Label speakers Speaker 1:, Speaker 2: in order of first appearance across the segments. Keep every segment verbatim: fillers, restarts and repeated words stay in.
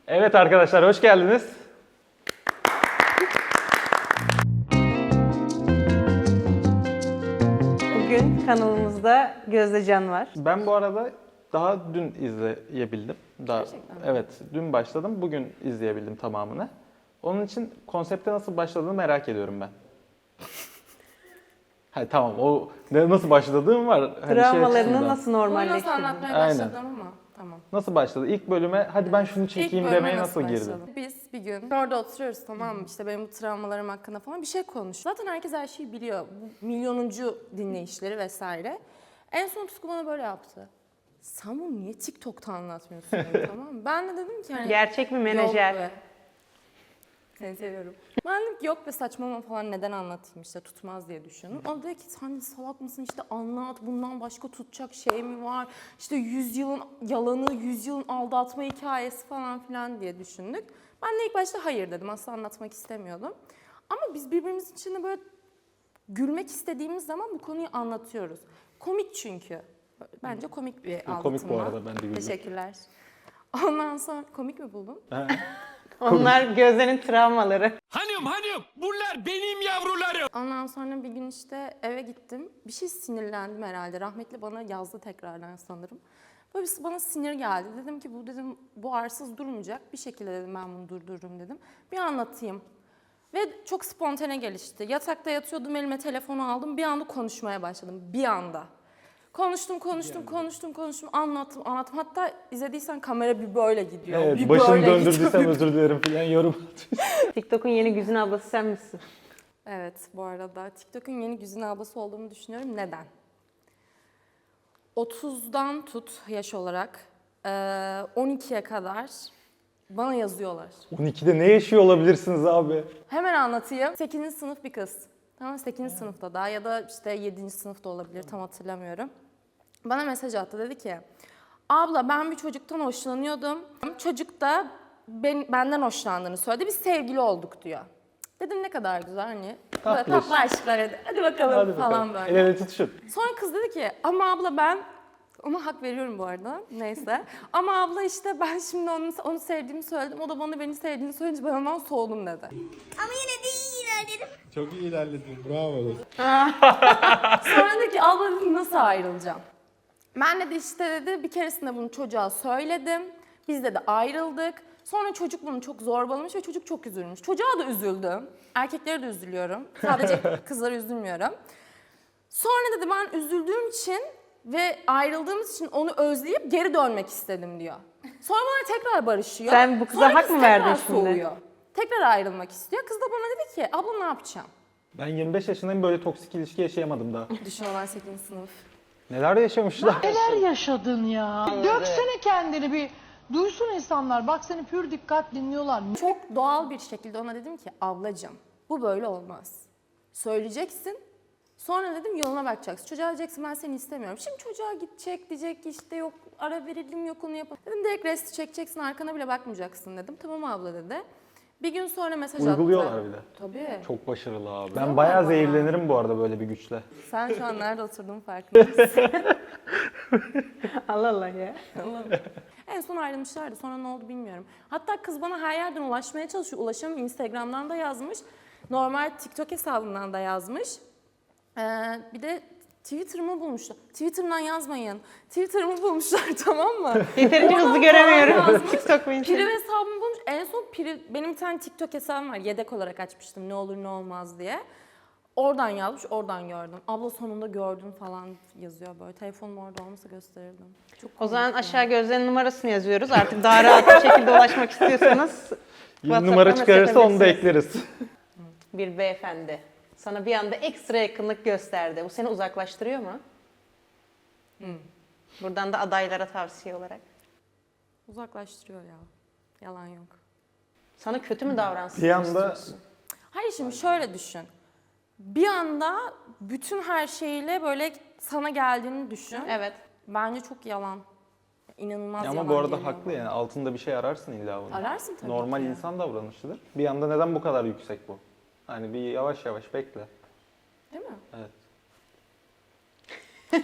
Speaker 1: Evet arkadaşlar, hoş geldiniz.
Speaker 2: Bugün kanalımızda Gözde Can var.
Speaker 1: Ben bu arada daha dün izleyebildim. Daha,
Speaker 3: Gerçekten mi?
Speaker 1: evet, dün başladım, bugün izleyebildim tamamını. Onun için konsepte nasıl başladığını merak ediyorum ben. Ha, tamam, o ne- nasıl başladığım var. Hani şey
Speaker 2: Travmalarını
Speaker 1: açısından.
Speaker 2: nasıl
Speaker 3: Bunu nasıl
Speaker 2: normalleştirdin?
Speaker 3: anlatmaya
Speaker 1: Aynen.
Speaker 3: başladım ama tamam.
Speaker 1: Nasıl başladı? İlk bölüme hadi ben şunu çekeyim
Speaker 3: İlk bölüme
Speaker 1: demeye nasıl girdin?
Speaker 3: başladım? Biz bir gün orada oturuyoruz, tamam mı? İşte benim bu travmalarım hakkında falan bir şey konuş. Zaten herkes her şeyi biliyor. Bu milyonuncu dinleyişleri vesaire. En son Tutku bana böyle yaptı. Sen bunu niye TikTok'ta anlatmıyorsun dedi, tamam mı? Ben de dedim ki hani...
Speaker 2: Gerçek bir
Speaker 3: Yok
Speaker 2: menajer.
Speaker 3: be. Seni seviyorum. Ben dedim ki yok be, saçmalama falan, neden anlatayım, işte tutmaz diye düşündüm. O dedi ki sen salak mısın, işte anlat, bundan başka tutacak şey mi var? İşte yüzyılın yalanı, yüzyılın aldatma hikayesi falan filan diye düşündük. Ben de ilk başta hayır dedim, asla anlatmak istemiyordum. Ama biz birbirimizin içinde böyle gülmek istediğimiz zaman bu konuyu anlatıyoruz. Komik çünkü. Bence komik bir aldatılma.
Speaker 1: Komik bu arada, ben de güldüm.
Speaker 3: Teşekkürler. Ondan sonra komik mi buldun?
Speaker 2: Onlar Gözde'nin travmaları.
Speaker 4: Hanım hanım bunlar benim yavrularım.
Speaker 3: Ondan sonra bir gün işte eve gittim. Bir şey sinirlendim herhalde. Rahmetli bana yazdı tekrardan sanırım. Böyle bir bana sinir geldi. Dedim ki bu dedim bu arsız durmayacak. Bir şekilde dedim ben bunu durdururum dedim. Bir anlatayım. Ve çok spontane gelişti. Yatakta yatıyordum, elime telefonu aldım. Bir anda konuşmaya başladım. Bir anda. Konuştum, konuştum, konuştum, konuştum. Anlattım, anlattım. Hatta izlediysen kamera bir böyle gidiyor.
Speaker 1: Evet,
Speaker 3: bir
Speaker 1: başını
Speaker 3: böyle
Speaker 1: döndürdüysem
Speaker 3: gidiyor.
Speaker 1: özür dilerim falan yorum.
Speaker 2: TikTok'un yeni Güzin ablası sen misin?
Speaker 3: Evet, bu arada TikTok'un yeni Güzin ablası olduğumu düşünüyorum. Neden? otuzdan tut yaş olarak eee, on ikiye kadar bana yazıyorlar.
Speaker 1: on ikide ne yaşıyor olabilirsiniz abi?
Speaker 3: Hemen anlatayım. sekizinci sınıf bir kız. Tamam, sekizinci sınıfta daha ya da işte yedinci sınıfta olabilir, tam hatırlamıyorum. Bana mesaj attı, dedi ki abla ben bir çocuktan hoşlanıyordum. Çocuk da ben, benden hoşlandığını söyledi. Biz sevgili olduk diyor. Dedim ne kadar güzel, hani böyle
Speaker 1: Tatlış.
Speaker 3: tatlı aşklar, hadi, hadi bakalım
Speaker 1: Hadi
Speaker 3: falan
Speaker 1: bakalım.
Speaker 3: böyle.
Speaker 1: El ele tutuşun.
Speaker 3: Sonra kız dedi ki ama abla ben, ona hak veriyorum bu arada, neyse. Ama abla işte ben şimdi onu, onu sevdiğimi söyledim, o da bana beni sevdiğini söyleyince ben ondan soğudum dedi.
Speaker 5: Ama yine de iyi ilerledim.
Speaker 6: Çok iyi ilerledin. Bravo.
Speaker 3: Sonra dedi ki abla dedim, nasıl ayrılacağım? Ben de işte dedi bir keresinde bunu çocuğa söyledim. Biz de de ayrıldık. Sonra çocuk bunu çok zorbalamış ve çocuk çok üzülmüş. Çocuğa da üzüldüm. Erkeklere de üzülüyorum. Sadece kızlara üzülmüyorum. Sonra dedi ben üzüldüğüm için ve ayrıldığımız için onu özleyip geri dönmek istedim diyor. Sonra bana tekrar barışıyor.
Speaker 2: Sen bu kıza
Speaker 3: Sonra
Speaker 2: hak
Speaker 3: kız
Speaker 2: mı
Speaker 3: tekrar
Speaker 2: verdin şimdi?
Speaker 3: soğuyor. Tekrar ayrılmak istiyor. Kız da bana dedi ki abla ne yapacağım?
Speaker 1: Ben yirmi beş yaşındayım, böyle toksik ilişki yaşayamadım daha.
Speaker 3: Düşün, olan sekizinci sınıf.
Speaker 1: Neler yaşamışlar?
Speaker 7: Neler yaşadın ya? Döksene kendini bir. Duysun insanlar. Bak seni pür dikkat dinliyorlar.
Speaker 3: Çok doğal bir şekilde ona dedim ki ablacığım bu böyle olmaz. Söyleyeceksin. Sonra dedim yoluna bakacaksın. Çocuğa diyeceksin ben seni istemiyorum. Şimdi çocuğa gidecek, diyecek ki işte yok ara verelim, yok onu yapalım. Dedim direkt resti çekeceksin, arkana bile bakmayacaksın dedim. Tamam abla dedi. Bir gün sonra mesaj attı.
Speaker 1: Uyguluyorlar bir de.
Speaker 3: Tabii.
Speaker 1: Çok başarılı abi. Ben bayağı zehirlenirim bu arada böyle bir güçle.
Speaker 3: Sen şu an nerede oturduğun farkında mısın?
Speaker 2: Allah Allah ya.
Speaker 3: En son ayrılmışlardı. Sonra ne oldu bilmiyorum. Hatta kız bana her yerden ulaşmaya çalışıyor. Ulaşamıyor. Instagram'dan da yazmış. Normal TikTok hesabından da yazmış. Ee, bir de Twitter'ımı bulmuşlar. Twitter'dan yazmayın. Twitter'ımı bulmuşlar, tamam mı?
Speaker 2: Yeterince
Speaker 3: Oradan
Speaker 2: hızlı
Speaker 3: falan
Speaker 2: göremiyorum.
Speaker 3: yazmış.
Speaker 2: TikTok mu Instagram?
Speaker 3: Piri hesabımı bulmuş. En son Piri, benim bir tane TikTok hesabım var. Yedek olarak açmıştım ne olur ne olmaz diye. Oradan yazmış, oradan gördüm. Abla sonunda gördüm falan yazıyor böyle. Telefonum orada olmasa gösterirdim. Çok
Speaker 2: O zaman
Speaker 3: komik ya.
Speaker 2: aşağı Gözde'nin numarasını yazıyoruz. Artık daha rahat bir şekilde ulaşmak istiyorsanız
Speaker 1: Yeni numara
Speaker 2: WhatsApp'tan
Speaker 1: çıkarırsa onu da
Speaker 2: mesaj
Speaker 1: ekleriz.
Speaker 2: bir beyefendi sana bir anda ekstra yakınlık gösterdi. Bu seni uzaklaştırıyor mu? Buradan da adaylara tavsiye olarak.
Speaker 3: Uzaklaştırıyor ya. Yalan yok.
Speaker 2: Sana kötü mü davransın
Speaker 1: Bir anda
Speaker 2: istiyorsun?
Speaker 3: Hayır, şimdi şöyle düşün. Bir anda bütün her şeyle böyle sana geldiğini düşün.
Speaker 2: Evet.
Speaker 3: Bence çok yalan. İnanılmaz yalan
Speaker 1: ama bu arada
Speaker 3: geliyor
Speaker 1: haklı
Speaker 3: bana.
Speaker 1: yani, altında bir şey ararsın illa bunu.
Speaker 3: Ararsın tabii
Speaker 1: Normal
Speaker 3: ki.
Speaker 1: insan davranışıdır. Bir anda neden bu kadar yüksek bu? Hani bir yavaş yavaş bekle.
Speaker 3: Değil mi?
Speaker 1: Evet.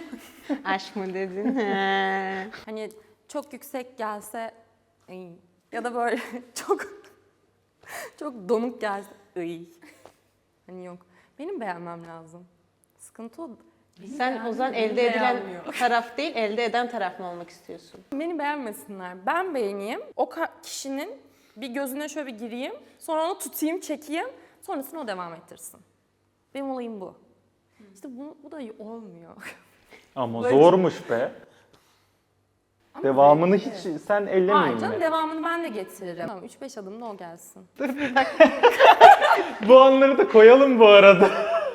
Speaker 2: Aşk mı dedin? He.
Speaker 3: Hani çok yüksek gelse iyi. Ya da böyle çok çok donuk gelse ıy. Hani yok. Benim beğenmem lazım. Sıkıntı o. Beni
Speaker 2: Sen o zaman
Speaker 3: beğenmiyor,
Speaker 2: elde
Speaker 3: beni
Speaker 2: edilen
Speaker 3: beğenmiyor.
Speaker 2: taraf değil, elde eden taraf mı olmak istiyorsun?
Speaker 3: Beni beğenmesinler. Ben beğeneyim. O ka- kişinin bir gözüne şöyle bir gireyim. Sonra onu tutayım, çekeyim. Sonrasını o devam ettirsin. Benim olayım bu. İşte bu, bu da olmuyor.
Speaker 1: Ama
Speaker 3: Böyle-
Speaker 1: zormuş be.
Speaker 3: Ama
Speaker 1: Devamını
Speaker 3: zevkli.
Speaker 1: hiç sen
Speaker 3: Hayır
Speaker 1: ellemeyin
Speaker 3: canım,
Speaker 1: mi?
Speaker 3: devamını ben de getiririm. Tamam, üç beş adımda o gelsin.
Speaker 1: Bu anları da koyalım bu arada.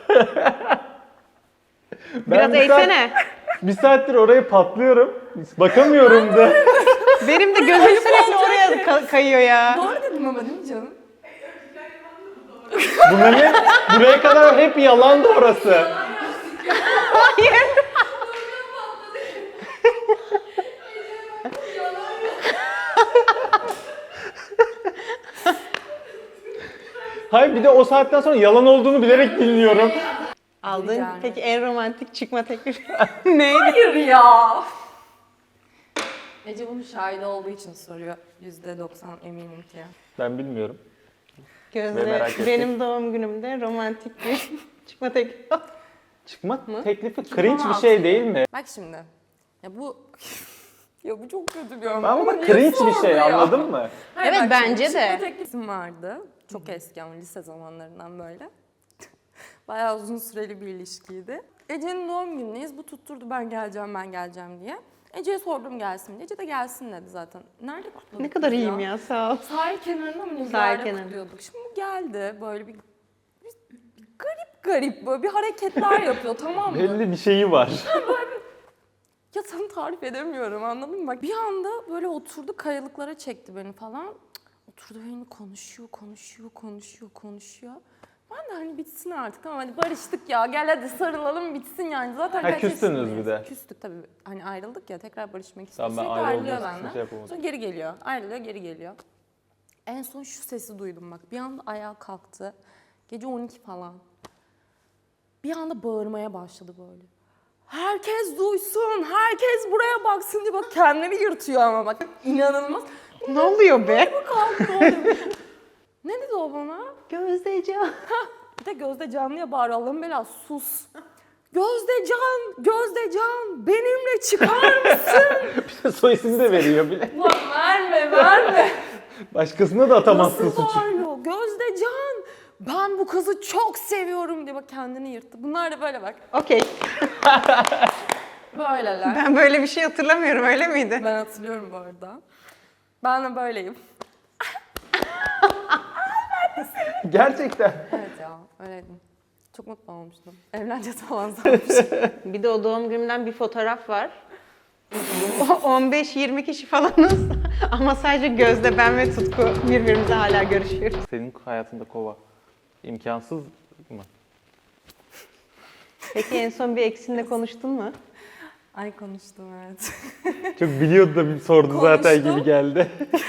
Speaker 2: Biraz
Speaker 1: bir saat-
Speaker 2: eğsene.
Speaker 1: bir saattir oraya patlıyorum. Bakamıyorum da.
Speaker 2: Benim de gözüm sürekli oraya ka- kayıyor ya.
Speaker 3: Doğru dedim ama değil mi canım?
Speaker 1: Bunların buraya kadar hep yalandı orası. Hayır bir de o saatten sonra yalan olduğunu bilerek dinliyorum.
Speaker 2: Aldığın
Speaker 3: Yani.
Speaker 2: peki en romantik çıkma teklifi neydi?
Speaker 3: Hayır ya. Ece bunun şahidi olduğu için soruyor. yüzde doksan eminim ki.
Speaker 1: Ben bilmiyorum. Ve
Speaker 2: Gözde
Speaker 1: merak ettik.
Speaker 2: benim doğum günümde romantik bir çıkma teklifi.
Speaker 1: Çıkma teklifi cringe bir
Speaker 3: Çıkamaz.
Speaker 1: şey değil mi?
Speaker 3: Bak şimdi. Ya bu... ya bu çok kötü bir örnek.
Speaker 1: Ama
Speaker 3: niye
Speaker 1: cringe bir
Speaker 3: sordu
Speaker 1: şey
Speaker 3: ya?
Speaker 1: anladın mı?
Speaker 3: Hayır,
Speaker 2: Evet,
Speaker 3: bak
Speaker 2: bence
Speaker 3: şimdi,
Speaker 2: de.
Speaker 3: çıkma teklifim vardı. Çok eski ama lise zamanlarından böyle. Bayağı uzun süreli bir ilişkiydi. Ece'nin doğum günündeyiz. Bu tutturdu ben geleceğim ben geleceğim diye. Ece'ye sordum gelsin diye. Ece de gelsin dedi zaten. Nerede kutladık
Speaker 2: Ne kadar
Speaker 3: biz
Speaker 2: iyiyim ya, sağ ol.
Speaker 3: Sahil kenarında mı ne bir
Speaker 2: Sahil
Speaker 3: yerde
Speaker 2: kenarı.
Speaker 3: kutluyorduk. Şimdi bu geldi böyle bir, bir garip garip böyle bir hareketler yapıyor, tamam mı?
Speaker 1: Belli bir şeyi var.
Speaker 3: Ya sana tarif edemiyorum, anladın mı? Bak bir anda böyle oturdu, kayalıklara çekti beni falan. Cık, Oturdu beni konuşuyor, konuşuyor, konuşuyor, konuşuyor. Ben de hani bitsin artık, tamam hadi barıştık ya, gel hadi sarılalım bitsin yani. Zaten
Speaker 1: Ha,
Speaker 3: kaç
Speaker 1: küstünüz
Speaker 3: yaşındayız?
Speaker 1: bir de.
Speaker 3: Küstük tabii. Hani ayrıldık ya, tekrar barışmak istiyor.
Speaker 1: Tamam, ben
Speaker 3: Sürekli ayrılıyor
Speaker 1: ayrılmak için
Speaker 3: benden.
Speaker 1: şey yapamadım.
Speaker 3: Sonra geri geliyor, ayrılıyor, geri geliyor. En son şu sesi duydum bak. Bir anda ayağa kalktı. Gece on iki falan. Bir anda bağırmaya başladı böyle. Herkes duysun, herkes buraya baksın diye bak kendini yırtıyor ama bak inanılmaz.
Speaker 2: Ne oluyor be?
Speaker 3: Kalktı ne oluyor? Ne dedi o bana?
Speaker 2: Gözdeciğim.
Speaker 3: Bir de Gözde Canlı'ya bağırıyor. Allah'ım belası sus. Gözde Can, Gözde Can benimle çıkar mısın?
Speaker 1: Soy ismini de veriyor bile.
Speaker 3: Lan verme verme.
Speaker 1: Başkasına da atamazsın
Speaker 3: Nasıl
Speaker 1: suçu.
Speaker 3: bağırıyor? Gözde Can ben bu kızı çok seviyorum diye bak kendini yırttı. Bunlar da böyle bak.
Speaker 2: Okey.
Speaker 3: Böyleler.
Speaker 2: Ben böyle bir şey hatırlamıyorum, öyle miydi?
Speaker 3: Ben hatırlıyorum bu arada. Ben de böyleyim.
Speaker 1: Gerçekten.
Speaker 3: Evet ya öyleydim. Çok mutlu olmuştum. Evleneceğiz falan sanmışım.
Speaker 2: Bir de o doğum günümden bir fotoğraf var. on beş yirmi kişi falanız ama sadece Gözde, ben ve Tutku birbirimizle hala görüşüyoruz.
Speaker 1: Senin hayatında kova imkansız mı?
Speaker 2: Peki en son bir eksinle konuştun mu?
Speaker 3: Ay konuştum evet.
Speaker 1: Çok biliyordu da bir sordu zaten
Speaker 3: Konuştum.
Speaker 1: gibi geldi.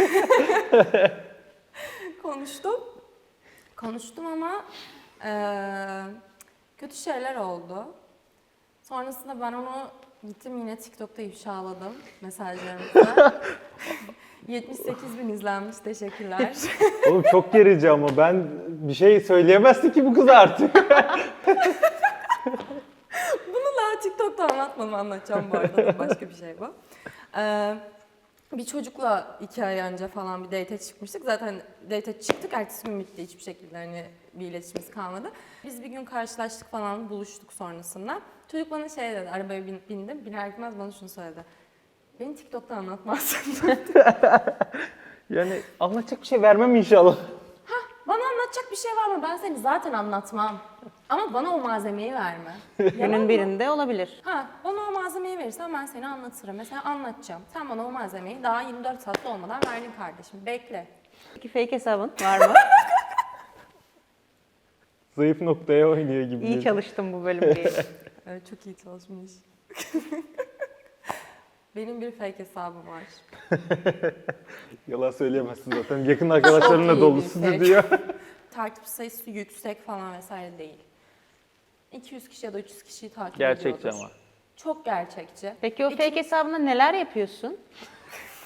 Speaker 3: Konuştum. Konuştum ama eee, kötü şeyler oldu. Sonrasında ben onu gittim yine TikTok'ta ifşaladım mesajlarımızda. yetmiş sekiz bin izlenmiş, teşekkürler.
Speaker 1: Oğlum çok gerici ama ben bir şey söyleyemezdi ki bu kız artık.
Speaker 3: Bunu daha TikTok'ta anlatmadım, anlatacağım bu arada. Başka bir şey bu. Ee, bir çocukla iki ay önce falan bir date çıkmıştık. Zaten date çıktık, ertesi gün bitti. Hiçbir şekilde hani bir iletişimimiz kalmadı. Biz bir gün karşılaştık falan, buluştuk sonrasında. Çocuk bana şey dedi, arabaya bin, bindim. Biner gitmez bana şunu söyledi. Beni TikTok'ta anlatmazsın.
Speaker 1: Yani anlatacak bir şey vermem inşallah.
Speaker 3: Bana anlatacak bir şey var mı? Ben seni zaten anlatmam. Ama bana o malzemeyi verme.
Speaker 2: Günün birinde olabilir.
Speaker 3: Ha, bana o malzemeyi verirsen ben seni anlatırım. Mesela anlatacağım. Sen bana o malzemeyi daha yirmi dört saatte olmadan verdin kardeşim. Bekle.
Speaker 2: Peki fake hesabın var mı?
Speaker 1: Zayıf noktaya oynuyor gibi.
Speaker 2: İyi çalıştım bu bölüm diye.
Speaker 3: Evet, çok iyi çalışmış. Benim bir fake hesabım var.
Speaker 1: Yalan söyleyemezsin zaten. Yakın arkadaşlarınla
Speaker 3: iyi bir
Speaker 1: dolusudur
Speaker 3: fake.
Speaker 1: diyor.
Speaker 3: Takip sayısı yüksek falan vesaire değil. iki yüz kişi ya da üç yüz kişiyi takip
Speaker 1: Gerçekçi
Speaker 3: ediyordur.
Speaker 1: ama.
Speaker 3: Çok gerçekçi.
Speaker 2: Peki o fake hesabında neler yapıyorsun?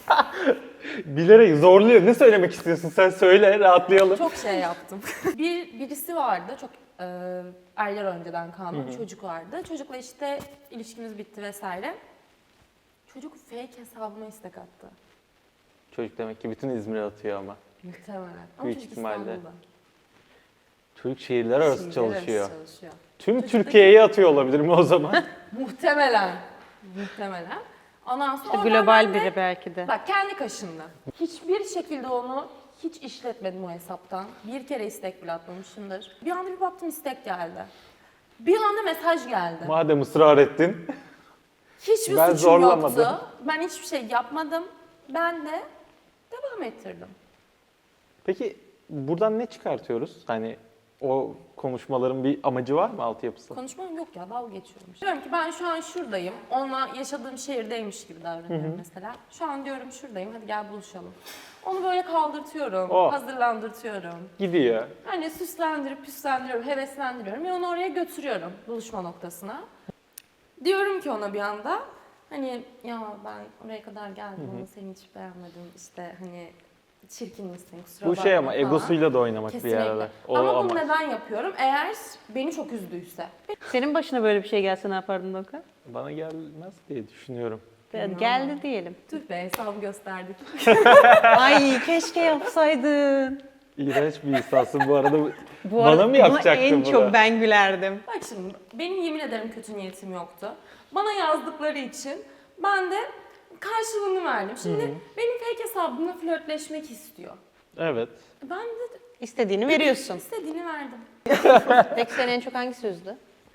Speaker 1: Bilerek zorluyor. Ne söylemek istiyorsun? Sen söyle, rahatlayalım.
Speaker 3: Çok şey yaptım. bir Birisi vardı, çok e, aylar önceden kalma bir çocuk vardı. Çocukla işte ilişkimiz bitti vesaire. Çocuk fake hesabıma istek attı.
Speaker 1: Çocuk demek ki bütün İzmir'e atıyor ama.
Speaker 3: Muhtemelen. Ama
Speaker 1: Büyük
Speaker 3: çocuk
Speaker 1: ihtimalle.
Speaker 3: İstanbul'da.
Speaker 1: Çocuk şehirler arası
Speaker 3: Şehirler
Speaker 1: çalışıyor.
Speaker 3: arası çalışıyor.
Speaker 1: Tüm
Speaker 3: Çocuktaki-
Speaker 1: Türkiye'ye atıyor olabilir mi o zaman?
Speaker 3: Muhtemelen. Muhtemelen. Ondan sonra
Speaker 2: İşte
Speaker 3: oradan
Speaker 2: global
Speaker 3: ben de-
Speaker 2: biri belki de.
Speaker 3: Bak kendi kaşındı. Hiçbir şekilde onu hiç işletmedim o hesaptan. Bir kere istek bile atmamışımdır. Bir anda bir baktım istek geldi. Bir anda mesaj geldi.
Speaker 1: Madem ısrar ettin.
Speaker 3: Hiçbir
Speaker 1: Ben
Speaker 3: suçum
Speaker 1: zorlamadım.
Speaker 3: yoktu. Ben hiçbir şey yapmadım. Ben de devam ettirdim.
Speaker 1: Peki buradan ne çıkartıyoruz? Hani o konuşmaların bir amacı var mı, altyapısı?
Speaker 3: Konuşmam yok ya, dalga geçiyorum. Diyorum ki ben şu an şuradayım. Onunla yaşadığım şehirdeymiş gibi davranıyorum mesela. Şu an diyorum şuradayım, hadi gel buluşalım. Onu böyle kaldırtıyorum,
Speaker 1: Oh.
Speaker 3: hazırlandırtıyorum.
Speaker 1: Gidiyor.
Speaker 3: Hani süslendirip püslendiriyorum, heveslendiriyorum ve onu oraya götürüyorum buluşma noktasına. Diyorum ki ona bir anda hani ya ben oraya kadar geldim ama seni hiç beğenmedim işte hani çirkin misin kusura
Speaker 1: Bu
Speaker 3: bakma
Speaker 1: şey ama
Speaker 3: falan.
Speaker 1: egosuyla da oynamak
Speaker 3: Kesinlikle.
Speaker 1: bir arada. O
Speaker 3: ama bunu
Speaker 1: amaç.
Speaker 3: neden yapıyorum? Eğer beni çok üzdüyse.
Speaker 2: Senin başına böyle bir şey gelse ne yapardın Dokan?
Speaker 1: Bana gelmez diye düşünüyorum.
Speaker 2: Geldi diyelim.
Speaker 3: Tüh be hesabı gösterdik.
Speaker 2: Ay keşke yapsaydın.
Speaker 1: İğrenç bir insansın bu arada.
Speaker 2: Bu
Speaker 1: Bana
Speaker 2: arada
Speaker 1: mı
Speaker 2: buna
Speaker 1: yapacaktın
Speaker 2: en
Speaker 1: bunu?
Speaker 2: çok ben gülerdim.
Speaker 3: Bak şimdi benim yemin ederim kötü niyetim yoktu. Bana yazdıkları için ben de karşılığını verdim. Şimdi benim fake hesabımla flörtleşmek istiyor.
Speaker 1: Evet.
Speaker 3: Ben de
Speaker 2: İstediğini veriyorsun.
Speaker 3: istediğini verdim.
Speaker 2: Peki seni en çok hangisi üzdü?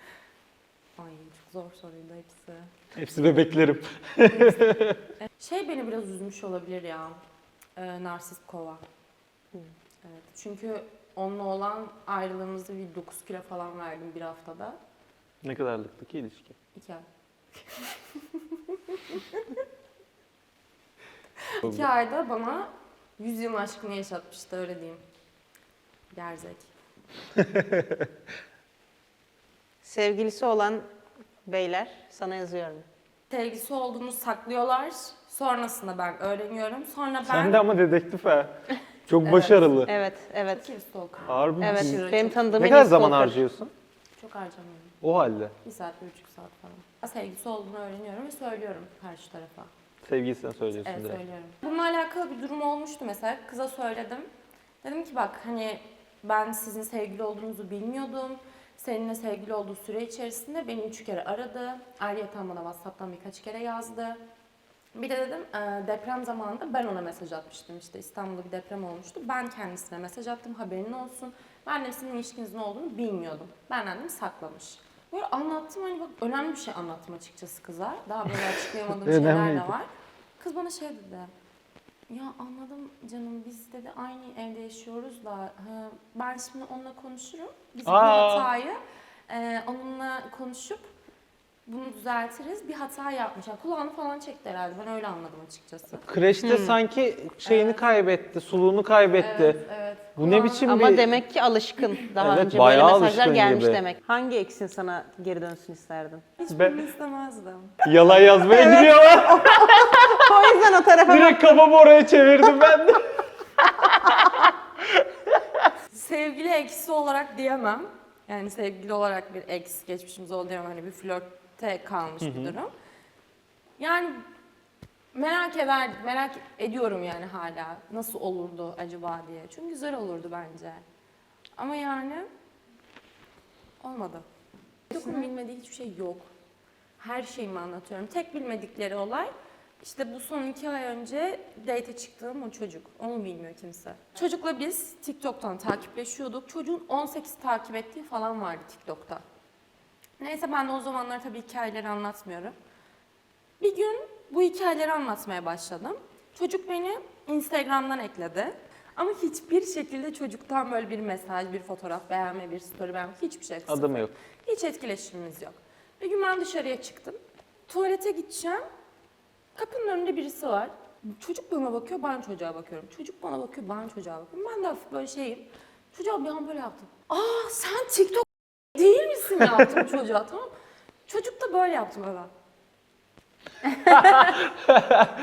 Speaker 3: Ay çok zor soruydu hepsi.
Speaker 1: Hepsi bebeklerim.
Speaker 3: Şey beni biraz üzmüş olabilir ya. Ee, narsist kova. Evet. Çünkü onunla olan ayrılığımızda bir dokuz kilo falan verdim bir haftada.
Speaker 1: Ne kadarlıktı ki ilişki?
Speaker 3: İki ay. İki ayda bana yüz yılın aşkını yaşatmıştı öyle diyeyim. Gerzek.
Speaker 2: Sevgilisi olan beyler sana yazıyorum.
Speaker 3: Sevgisi olduğunu saklıyorlar. Sonrasında ben öğreniyorum. Sonra ben...
Speaker 1: Sen de ama dedektif ha. Çok başarılı.
Speaker 2: Evet, evet.
Speaker 3: Kim stalker?
Speaker 1: Harbi
Speaker 2: Evet,
Speaker 1: misin?
Speaker 3: Aşırı
Speaker 2: benim
Speaker 3: çok-
Speaker 2: tanıdığım
Speaker 1: Ne
Speaker 2: en
Speaker 1: kadar
Speaker 2: iyi
Speaker 1: zaman
Speaker 2: stalker.
Speaker 1: harcıyorsun?
Speaker 3: Çok harcamıyorum.
Speaker 1: O halde.
Speaker 3: Bir saat, bir buçuk saat falan. Sevgisi olduğunu öğreniyorum ve söylüyorum karşı tarafa.
Speaker 1: Sevgilisine söylüyorsun
Speaker 3: Evet
Speaker 1: direkt.
Speaker 3: söylüyorum. Bununla alakalı bir durum olmuştu mesela. Kıza söyledim. Dedim ki bak hani ben sizin sevgili olduğunuzu bilmiyordum. Seninle sevgili olduğu süre içerisinde beni üç kere aradı. Ayrıyeten bana WhatsApp'tan birkaç kere yazdı. Bir de dedim e, deprem zamanında ben ona mesaj atmıştım işte İstanbul'da bir deprem olmuştu. Ben kendisine mesaj attım haberin olsun. Ben de sizin ilişkinizin olduğunu bilmiyordum. Benden dedim saklamış. Böyle anlattım hani bak önemli bir şey anlattım açıkçası kıza. Daha böyle açıklayamadığım şeyler de
Speaker 1: Önemliydi.
Speaker 3: var. Kız bana şey dedi. Ya anladım canım biz dedi aynı evde yaşıyoruz da ha, ben şimdi onunla konuşurum. Biz bu
Speaker 1: Aa.
Speaker 3: hatayı e, onunla konuşup bunu düzeltiriz. Bir hata yapmış. Yani kulağını falan çekti herhalde. Ben öyle anladım açıkçası.
Speaker 1: Kreşte sanki şeyini kaybetti, suluğunu kaybetti.
Speaker 3: Evet, evet.
Speaker 1: Bu ne biçim
Speaker 2: Ama
Speaker 1: bir...
Speaker 2: demek ki alışkın. Daha
Speaker 1: Evet,
Speaker 2: önce böyle
Speaker 1: bayağı
Speaker 2: mesajlar
Speaker 1: alışkın
Speaker 2: gelmiş
Speaker 1: gibi.
Speaker 2: demek. Hangi eksin sana geri dönsün isterdin?
Speaker 3: Hiçbirini istemezdim.
Speaker 1: Yalan yazmaya gidiyorlar.
Speaker 2: O yüzden o tarafa
Speaker 1: Direkt kafamı oraya çevirdim ben de.
Speaker 3: Sevgili eksi olarak diyemem. Yani sevgili olarak bir ex geçmişimiz oldu diyemem. Hani bir flörtte kalmış bir durum. Yani merak eder, merak ediyorum yani hala. Nasıl olurdu acaba diye. Çünkü güzel olurdu bence. Ama yani olmadı. Dokun bilmediği hiçbir şey yok. Her şeyimi anlatıyorum. Tek bilmedikleri olay işte bu son iki ay önce date'e çıktığım o çocuk. Onu bilmiyor kimse. Çocukla biz TikTok'tan takipleşiyorduk. Çocuğun on sekiz takip ettiği falan vardı TikTok'ta. Neyse ben de o zamanlar tabii hikayeleri anlatmıyorum. Bir gün bu hikayeleri anlatmaya başladım. Çocuk beni Instagram'dan ekledi. Ama hiçbir şekilde çocuktan böyle bir mesaj, bir fotoğraf beğenme, bir story beğenme, hiçbir şey.
Speaker 1: Adı mı yok?
Speaker 3: Hiç etkileşimimiz yok. Bir gün ben dışarıya çıktım. Tuvalete gideceğim. Kapının önünde birisi var. Çocuk bana bakıyor, ben çocuğa bakıyorum. Çocuk bana bakıyor, ben çocuğa bakıyorum. Ben de hafif böyle şeyim. Çocuğa bir an böyle yaptım. Aa sen TikTok değil misin yaptım çocuğa, tamam mı? Çocuk da böyle yaptım öyle.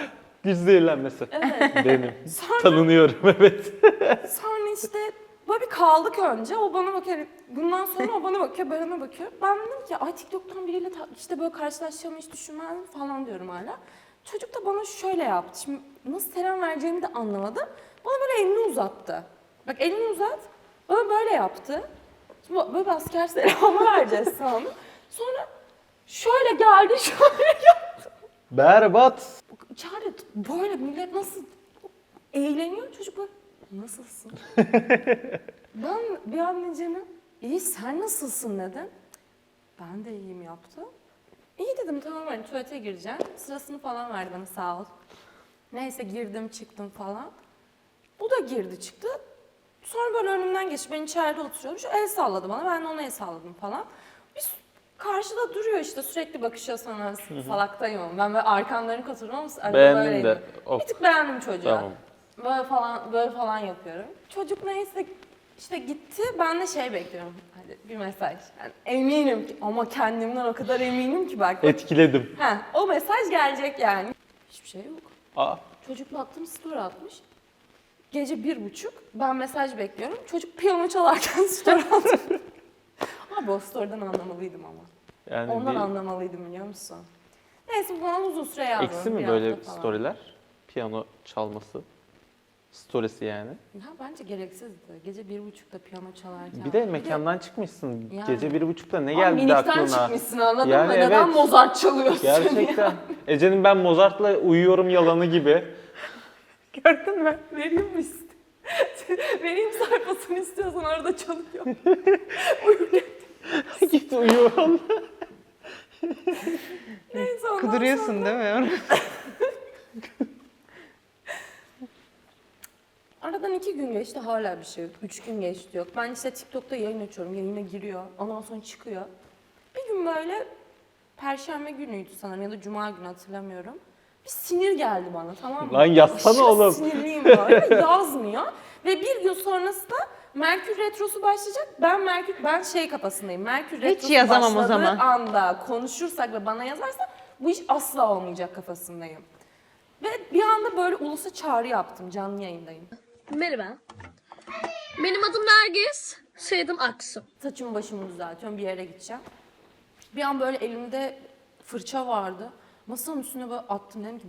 Speaker 1: Diş zehirlenmesi.
Speaker 3: Evet.
Speaker 1: Benim.
Speaker 3: Sonra,
Speaker 1: Tanınıyorum evet.
Speaker 3: sonra işte böyle bir kaldık önce. O bana bakıyor. Bundan sonra o bana bakıyor, ben ona bakıyor. Ben dedim ki ay TikTok'tan biriyle ta- işte böyle karşılaşacağımı hiç düşünmezdim falan diyorum hala. Çocuk da bana şöyle yaptı. Şimdi nasıl selam vereceğimi de anlamadım. Bana böyle elini uzattı. Bak elini uzat. Bana böyle yaptı. Şimdi böyle bir asker selamı vereceğiz sandım. Sonra şöyle geldi, şöyle yaptı.
Speaker 1: Berbat.
Speaker 3: İçeride böyle millet nasıl eğleniyor, çocuk böyle nasılsın? Ben bir an Ece'ne iyi sen nasılsın dedim. Ben de iyiyim yaptı. İyi dedim tamam hani tuvalete gireceğim. Sırasını falan verdi bana sağ ol. Neyse girdim çıktım falan. Bu da girdi çıktı. Sonra böyle önümden geçti. Ben içeride oturuyorum. Şu el salladı bana. Ben de ona el salladım falan. Biz karşıda duruyor işte sürekli bakışıyor sana salaktayım ama. Ben böyle arkamlarını oturuyorum ama arada
Speaker 1: Beğendin
Speaker 3: böyleyim.
Speaker 1: de. Of.
Speaker 3: Bir tık beğendim çocuğu.
Speaker 1: Tamam.
Speaker 3: Böyle falan böyle falan yapıyorum. Çocuk neyse işte gitti. Ben de şey bekliyorum. Hadi bir mesaj. Yani eminim ki ama kendimden o kadar eminim ki bak.
Speaker 1: Etkiledim.
Speaker 3: He, o mesaj gelecek yani. Hiçbir şey yok.
Speaker 1: Aa.
Speaker 3: Çocuk baktım story atmış. Gece bir buçuk. Ben mesaj bekliyorum. Çocuk piyano çalarken story atmış. Abi o story'den anlamalıydım ama.
Speaker 1: Yani
Speaker 3: Ondan
Speaker 1: bir
Speaker 3: anlamalıydım biliyor musun? Neyse bu bana uzun süre yazdı.
Speaker 1: eksi mi
Speaker 3: bir
Speaker 1: böyle
Speaker 3: hafta falan.
Speaker 1: storyler? Piyano çalması. Storiesi yani.
Speaker 3: Ya bence gereksizdi. Gece bir buçukta piyano çalarken.
Speaker 1: Bir de mekandan çıkmışsın.
Speaker 3: Yani.
Speaker 1: Gece bir buçukta ne
Speaker 3: Abi
Speaker 1: geldi de
Speaker 3: minikten
Speaker 1: aklına?
Speaker 3: çıkmışsın anladın
Speaker 1: Yani
Speaker 3: mı? Neden
Speaker 1: evet.
Speaker 3: Mozart çalıyorsun?
Speaker 1: Gerçekten. Ece'nin ben Mozart'la uyuyorum yalanı gibi.
Speaker 3: Gördün mü? Vereyim mi iste? Vereyim sayfasını istiyorsan orada çalıyor. Uyurken.
Speaker 1: Git uyu onunla.
Speaker 3: Neyse ondan
Speaker 2: Kuduruyorsun
Speaker 3: sonra-
Speaker 2: değil mi?
Speaker 3: Aradan iki gün geçti hala bir şey yok. Üç gün geçti yok. Ben işte TikTok'ta yayın açıyorum. Yayına giriyor. Ondan sonra çıkıyor. Bir gün böyle Perşembe günüydü sanırım ya da Cuma günü hatırlamıyorum. Bir sinir geldi bana tamam mı?
Speaker 1: Lan yazsana
Speaker 3: Aşırı
Speaker 1: oğlum.
Speaker 3: sinirliyim böyle. Yazmıyor. Ve bir gün sonrası da Merkür Retrosu başlayacak. Ben Merkür ben şey kafasındayım. Merkür Retrosu
Speaker 2: yazamam o
Speaker 3: başladığı
Speaker 2: zaman.
Speaker 3: anda konuşursak ve bana yazarsa bu iş asla olmayacak kafasındayım. Ve bir anda böyle ulusa çağrı yaptım. Canlı yayındayım.
Speaker 5: Merhaba. Benim adım Nergis. Soyadım Aksu.
Speaker 3: Saçımı başımı düzeltiyorum, bir yere gideceğim. Bir an böyle elimde fırça vardı. Masanın üstüne böyle attım dedim ki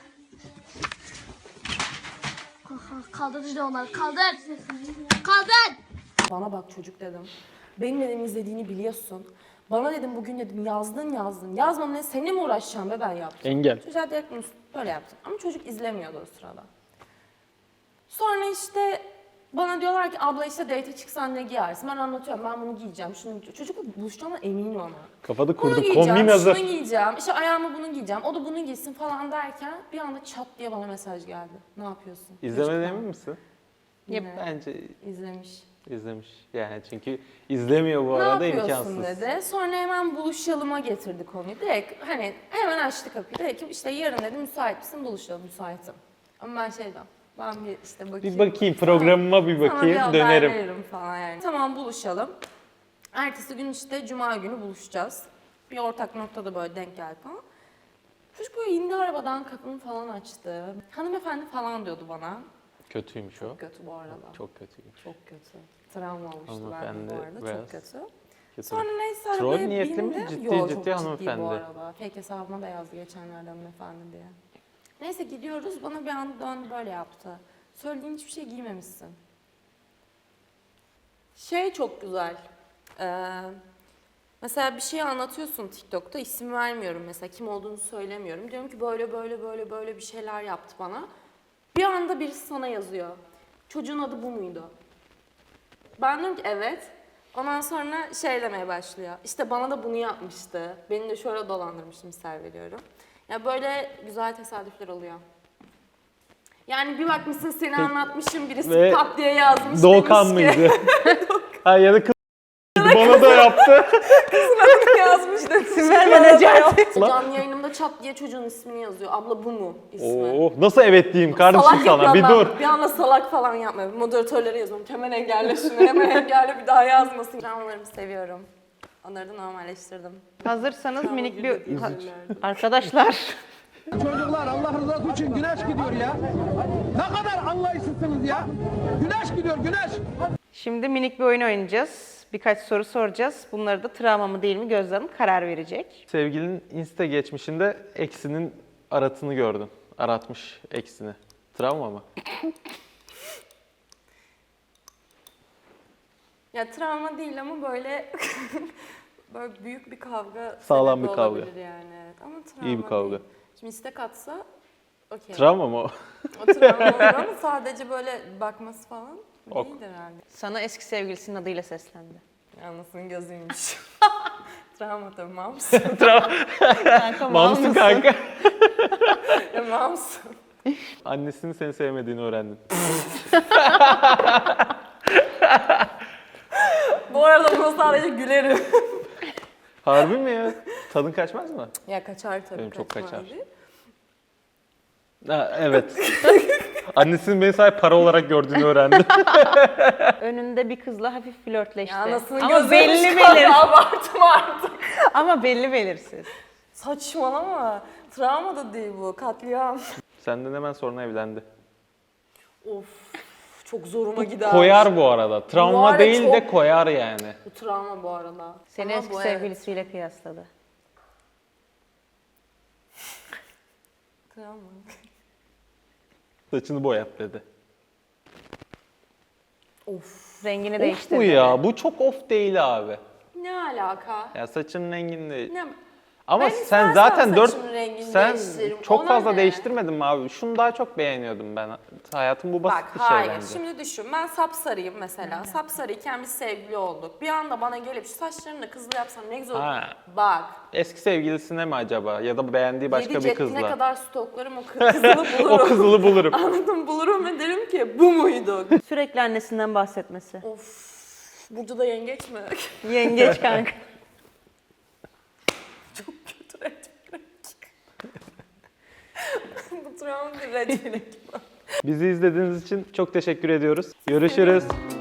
Speaker 5: Kaldır işte onları. Kaldır. Kaldır.
Speaker 3: bana bak çocuk dedim. Benim dedim izlediğini biliyorsun. Bana dedim bugün dedim yazdın yazdın. Yazmam ne seninle mi uğraşacağım be ben yaptım.
Speaker 1: Engel.
Speaker 3: Çocuğa direkt bunu böyle yaptım. Ama çocuk izlemiyordu o sırada. Sonra işte bana diyorlar ki abla işte date'e çıksan ne giyersin? Ben anlatıyorum ben bunu giyeceğim. Şunu giyeceğim. Çocukla buluşacağıma eminim ama.
Speaker 1: Kafada
Speaker 3: Bunu
Speaker 1: kurduk.
Speaker 3: giyeceğim,
Speaker 1: Kombin hazır.
Speaker 3: şunu giyeceğim, işte ayağıma bunu giyeceğim, o da bunu giysin falan derken bir anda çat diye bana mesaj geldi. Ne yapıyorsun?
Speaker 1: İzlemeden
Speaker 3: Çocuktan.
Speaker 1: emin misin?
Speaker 3: Yine
Speaker 1: Bence
Speaker 3: izlemiş.
Speaker 1: izlemiş. Yani çünkü izlemiyor bu
Speaker 3: Ne
Speaker 1: arada
Speaker 3: yapıyorsun
Speaker 1: imkansız.
Speaker 3: dedi. Sonra hemen buluşalıma getirdi konuyu. Direkt hani hemen açtı kapıyı. Dedi ki işte yarın dedi müsait misin buluşalım müsaitim. Ama ben şey dedim. Ben bir işte bakayım.
Speaker 1: Bir bakayım programıma bir
Speaker 3: Sana bir
Speaker 1: bakayım
Speaker 3: haber
Speaker 1: dönerim.
Speaker 3: veririm falan yani. Tamam buluşalım. Ertesi gün işte cuma günü buluşacağız. Bir ortak noktada böyle denk geldi falan. Çocuk böyle indi arabadan kapımı falan açtı. Hanımefendi falan diyordu bana.
Speaker 1: Kötüymüş o.
Speaker 3: Çok kötü bu arada. Çok,
Speaker 1: Çok kötüymüş.
Speaker 3: kötü. Travma olmuştu bende
Speaker 1: Hanımefendi
Speaker 3: bu arada.
Speaker 1: biraz
Speaker 3: Çok kötü.
Speaker 1: Kötü.
Speaker 3: Sonra neyse
Speaker 1: Troll
Speaker 3: arabaya
Speaker 1: niyetli mi?
Speaker 3: bindi.
Speaker 1: Ciddi
Speaker 3: Yo, çok
Speaker 1: ciddi
Speaker 3: bu
Speaker 1: hanımefendi.
Speaker 3: arada. Fake hesabıma da yazdı geçenlerde hanımefendi diye. Neyse gidiyoruz. Bana bir anda döndü böyle yaptı. Söylediğin hiçbir şey giymemişsin. Şey çok güzel. Ee, mesela bir şey anlatıyorsun TikTok'ta. İsim vermiyorum mesela. Kim olduğunu söylemiyorum. Diyorum ki böyle böyle böyle böyle bir şeyler yaptı bana. Bir anda birisi sana yazıyor. Çocuğun adı bu muydu? Ben diyorum ki evet. Ondan sonra şey demeye başlıyor. İşte bana da bunu yapmıştı. Beni de şöyle dolandırmıştı misal veriyorum. Ya böyle güzel tesadüfler oluyor. Yani bir bakmışsın seni anlatmışım birisi
Speaker 1: Ve
Speaker 3: pat diye yazmış.
Speaker 1: Doğukan
Speaker 3: demiş ki-
Speaker 1: mıydı? Ha ya da kız bana da yaptı.
Speaker 3: yazmış demiş.
Speaker 2: Sibel Necati.
Speaker 3: Canlı yayınımda çat diye çocuğun ismini yazıyor. Abla bu mu ismi?
Speaker 1: Oo, nasıl evet diyeyim kardeşim
Speaker 3: Salak
Speaker 1: sana bir
Speaker 3: yapma
Speaker 1: dur.
Speaker 3: ben. Bir anda salak falan yapma. Moderatörlere yazıyorum. Hemen engelle şunu, hemen engelle bir daha yazmasın. Dramalarımı seviyorum. Onları da normalleştirdim.
Speaker 2: Hazırsanız minik bir...
Speaker 3: Üzücü.
Speaker 2: Arkadaşlar
Speaker 8: Çocuklar Allah rızası için güneş gidiyor ya. Ne kadar anlayışsızsınız ya. Güneş gidiyor güneş.
Speaker 2: Şimdi minik bir oyun oynayacağız. Birkaç soru soracağız. Bunları da travma mı değil mi Gözde Hanım karar verecek.
Speaker 1: Sevgilinin Insta geçmişinde eksinin aratını gördün. Aratmış eksini. Travma mı?
Speaker 3: Ya travma değil ama böyle böyle büyük bir kavga
Speaker 1: Sağlam
Speaker 3: sebebi
Speaker 1: bir kavga.
Speaker 3: olabilir yani. Evet. Ama travma
Speaker 1: İyi bir kavga.
Speaker 3: değil. Şimdi istek atsa okey.
Speaker 1: Travma mı o?
Speaker 3: O travma olur ama sadece böyle bakması falan
Speaker 1: Ok.
Speaker 3: değildir herhalde.
Speaker 2: Sana eski sevgilisinin adıyla seslendi.
Speaker 3: Anasının gözüymüş. Travma tabii mams.
Speaker 2: Kanka mal
Speaker 1: Mamsın
Speaker 2: mısın?
Speaker 1: kanka.
Speaker 3: Ya mams.
Speaker 1: Annesinin seni sevmediğini öğrendin.
Speaker 3: Bu arada buna sadece gülerim.
Speaker 1: Harbi mi ya? Tadın kaçmaz mı?
Speaker 3: Ya kaçar tabii.
Speaker 1: Benim çok
Speaker 3: kaçmaz
Speaker 1: kaçar.
Speaker 3: değil.
Speaker 1: Ha, evet. Annesinin beni sadece para olarak gördüğünü öğrendim.
Speaker 2: Önünde bir kızla hafif flörtleşti.
Speaker 3: Ya anasının
Speaker 2: Ama
Speaker 3: gözüymüş
Speaker 2: belli
Speaker 3: kanka,
Speaker 2: belir.
Speaker 3: abartma artık.
Speaker 2: Ama belli belirsiz.
Speaker 3: Saçmalama. Travma da değil bu. Katliam.
Speaker 1: Senden hemen sonra evlendi.
Speaker 3: Of. Çok zoruma gider.
Speaker 1: Koyar bu arada.
Speaker 3: Bu
Speaker 1: Travma
Speaker 3: arada
Speaker 1: değil
Speaker 3: çok-
Speaker 1: de koyar yani.
Speaker 3: Bu travma bu arada.
Speaker 2: Seni
Speaker 3: Ama
Speaker 2: eski
Speaker 3: bu evet.
Speaker 2: sevgilisiyle kıyasladı.
Speaker 3: Travma.
Speaker 1: Saçını boyat dedi.
Speaker 3: Of.
Speaker 2: Rengini
Speaker 1: Of
Speaker 2: değiştirdi.
Speaker 1: bu ya. Bu çok of değil abi.
Speaker 3: Ne alaka?
Speaker 1: Ya saçının rengini değil.
Speaker 3: Ne?
Speaker 1: Ama
Speaker 3: Ben
Speaker 1: sen
Speaker 3: istersen
Speaker 1: zaten dört
Speaker 3: saçımın rengini
Speaker 1: sen
Speaker 3: değiştiririm.
Speaker 1: çok
Speaker 3: Ona
Speaker 1: fazla
Speaker 3: ne?
Speaker 1: değiştirmedin mi abi? Şunu daha çok beğeniyordum ben. Hayatım bu basit
Speaker 3: Bak
Speaker 1: bir şey
Speaker 3: hayır.
Speaker 1: bence.
Speaker 3: Şimdi düşün. Ben sapsarıyım mesela. Sapsarıyken biz sevgili olduk. Bir anda bana gelip şu saçlarını da kızlı yapsam ne güzel olur.
Speaker 1: Ha.
Speaker 3: Bak.
Speaker 1: Eski sevgilisine mi acaba? Ya da beğendiği başka
Speaker 3: Yedi
Speaker 1: bir
Speaker 3: ceddine
Speaker 1: kızla.
Speaker 3: kadar stoklarım o kı- kızılı bulurum.
Speaker 1: O kızılı bulurum.
Speaker 3: Anladım, bulurum ve derim ki bu muydu?
Speaker 2: Sürekli annesinden bahsetmesi.
Speaker 3: Of. Burcu da yengeç mi?
Speaker 2: Yengeç kanka.
Speaker 3: Çok kötü red flag. Bu travma bir red flag.
Speaker 1: Bizi izlediğiniz için çok teşekkür ediyoruz. Görüşürüz.